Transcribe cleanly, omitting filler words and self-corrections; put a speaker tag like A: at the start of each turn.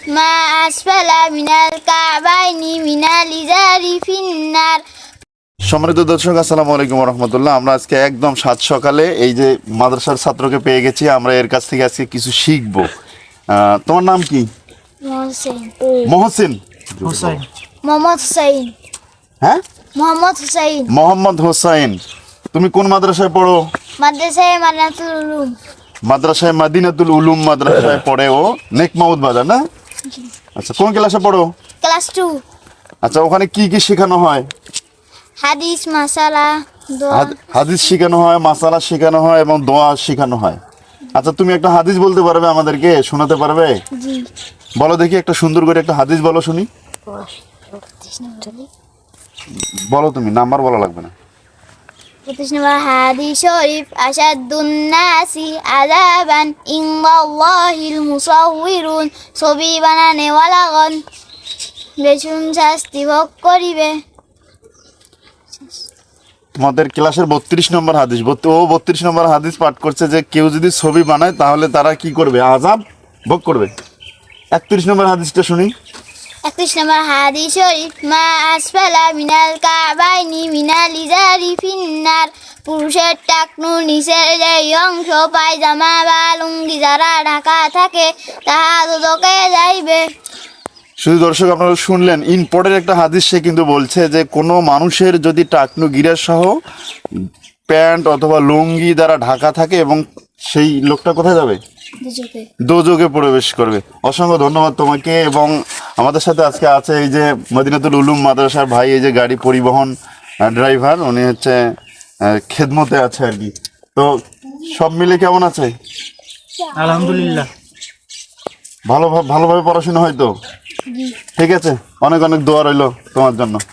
A: মা আসফালা মিনাল কাবাইনি মিনাল ইজারি ফিন্নার।
B: সম্মানিত দর্শক, আসসালামু আলাইকুম রহমতুল্লাহ। আমরা আজকে একদম সাত সকালে এই যে মাদ্রাসার ছাত্রকে পেয়ে গেছি। আমরা এর কাছ থেকে আজকে কিছু শিখবো। তোমার নাম কি?
A: মোহসেন।
B: মহসিন
C: হুসাইন।
A: মোহাম্মদ হুসাইন।
B: হ্যাঁ,
A: মোহাম্মদ হুসাইন।
B: মোহাম্মদ হোসাইন। তুমি কোন মাদ্রাসায় পড়ো?
A: মাদ্রাসায়ে মানাতুল উলুম।
B: মাদ্রাসায় মাদিনাতুল উলুম মাদ্রাসায় পড়ে ও নেকমাউদ বাজার না? আচ্ছা, কোন ক্লাসে পড়ো?
A: ক্লাস 2।
B: আচ্ছা, ওখানে কি কি শেখানো হয়?
A: হাদিস, মাসালা, দোয়া।
B: হাদিস শেখানো হয়, মাসালা শেখানো হয় এবং দোয়া শেখানো হয়। আচ্ছা, তুমি একটা হাদিস বলতে পারবে, আমাদেরকে শোনাতে পারবে?
A: জি।
B: বলো দেখি, একটা সুন্দর করে একটা হাদিস বলো শুনি। বলো, তুমি নাম্বার বলা লাগবে না।
A: 25 নম্বর হাদিস শরীফ, আশাদুন নাসি আযাবান ইনদাল্লাহিল মুসাউউরুন, ছবি বানানেওয়ালাগণ বেশুন শাস্তি ভোগ করিবে।
B: তোমাদের ক্লাসের 32 নম্বর হাদিস, ও 32 নম্বর হাদিস পাঠ করছে যে কেউ যদি ছবি বানায় তাহলে তারা কি করবে? আযাব ভোগ করবে। 31 নম্বর হাদিসটা শুনি।
A: 31 নম্বর হাদিস শরীফ, মা আসফালা মিনাল কাবাইনি মিনাল ইজারি ফিন্নার, পুরুষের টাকনু নিচের যে অংশ পায়জামা বা লুঙ্গি যারা ঢাকা থাকে তাহা দুদকে যাইবে।
B: শুধু দর্শক, আপনারা শুনলেন, ইম্পর্টেন্ট একটা হাদিস। সে কিন্তু বলছে যে কোনো মানুষের যদি টাকনু গিরা সহ প্যান্ট অথবা লুঙ্গি দ্বারা ঢাকা থাকে এবং সেই লোকটা কোথায় যাবে?
A: দুজকে।
B: দোজখে প্রবেশ করবে। অসংখ্য ধন্যবাদ তোমাকে। এবং আমাদের সাথে আজকে আছে এই যে মদিনাতুল উলুম মাদ্রাসার ভাই, এই যে গাড়ি পরিবহন ড্রাইভার, উনি হচ্ছে খেদমতে আছে আর কি। তো সব মিলে কেমন আছে?
C: আলহামদুলিল্লাহ।
B: ভালোভাবে পড়াশোনা হয় তো? ঠিক আছে, অনেক অনেক দোয়া রইলো তোমার জন্য।